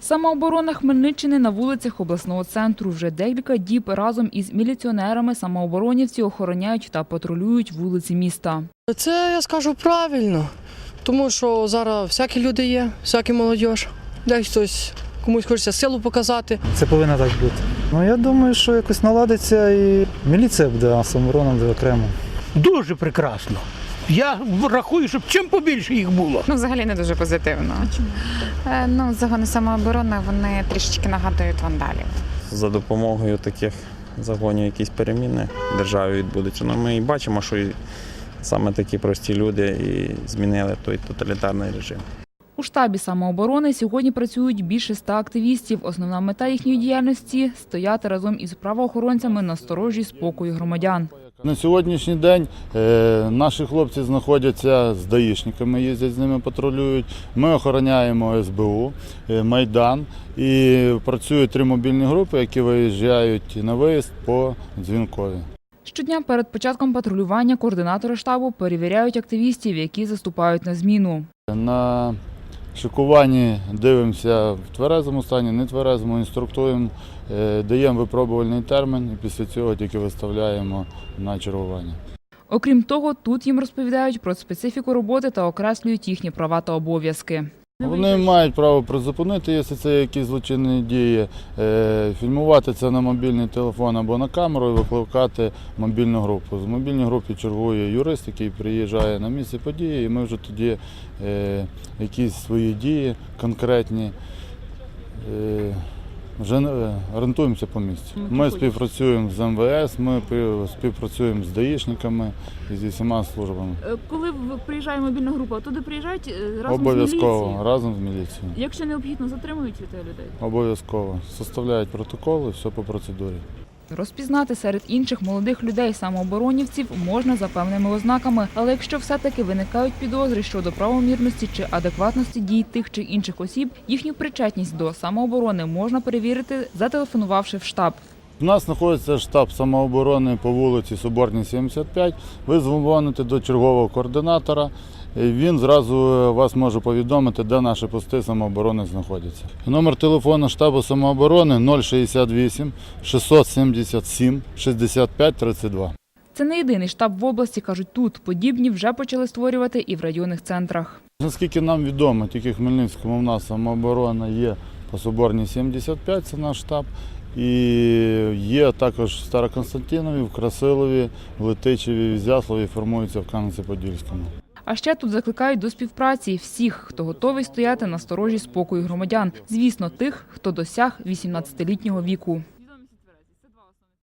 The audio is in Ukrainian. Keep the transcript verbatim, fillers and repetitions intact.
Самооборона Хмельниччини на вулицях обласного центру. Вже декілька діб разом із міліціонерами самооборонівці охороняють та патрулюють вулиці міста. Це, я скажу, правильно, тому що зараз всякі люди є, всякі молодь. Десь хтось, комусь хочеться силу показати. Це повинно так бути. Ну, я думаю, що якось наладиться і міліція буде, а самооборона буде окремо. Дуже прекрасно. Я рахую, щоб чим побільше їх було. Ну, взагалі не дуже позитивно. А чому? Е, ну, загони самооборони, вони трішечки нагадують вандалів. За допомогою таких загонів якісь переміни в державі відбудуться. Ну, ми і бачимо, що і саме такі прості люди і змінили той тоталітарний режим. У штабі самооборони сьогодні працюють більше ста активістів. Основна мета їхньої діяльності – стояти разом із правоохоронцями на сторожі спокою громадян. На сьогоднішній день е, наші хлопці знаходяться з даїшниками, їздять з ними, патрулюють. Ми охороняємо ес бе у, е, Майдан і працюють три мобільні групи, які виїжджають на виїзд по Дзвінкові. Щодня перед початком патрулювання координатори штабу перевіряють активістів, які заступають на зміну. На шикуванні дивимося в тверезому стані, нетверезому, інструктуємо, е, даємо випробувальний термін і після цього тільки виставляємо на чергування. Окрім того, тут їм розповідають про специфіку роботи та окреслюють їхні права та обов'язки. Вони мають право призупинити, якщо це якісь злочинні дії, фільмувати це на мобільний телефон або на камеру і викликати мобільну групу. З мобільної групи чергує юрист, який приїжджає на місце події, і ми вже тоді якісь свої дії конкретні вже орієнтуємося по місцю. Ми співпрацюємо з ем ве ес, ми співпрацюємо з даїшниками і зі всіма службами. Коли приїжджає мобільна група, туди приїжджають разом Обов'язково, з міліцією? разом з міліцією. Якщо необхідно, затримують людей? Обов'язково. Составляють протоколи, все по процедурі. Розпізнати серед інших молодих людей самооборонівців можна за певними ознаками, але якщо все-таки виникають підозри щодо правомірності чи адекватності дій тих чи інших осіб, їхню причетність до самооборони можна перевірити, зателефонувавши в штаб. У нас знаходиться штаб самооборони по вулиці Соборній, сімдесят п'ять. Ви дзвоните до чергового координатора, він зразу вас може повідомити, де наші пости самооборони знаходяться. Номер телефону штабу самооборони нуль шістдесят вісім шістсот сімдесят сім шістдесят п'ять тридцять два. Це не єдиний штаб в області, кажуть тут. Подібні вже почали створювати і в районних центрах. Наскільки нам відомо, тільки в Хмельницькому в нас самооборона є по Соборній сімдесят п'ять, це наш штаб. І є також в Староконстантинові, в Красилові, в Летичеві, в Ізяславі, формуються в Кам'янці-Подільському. А ще тут закликають до співпраці всіх, хто готовий стояти на сторожі спокою громадян. Звісно, тих, хто досяг вісімнадцятилітнього віку.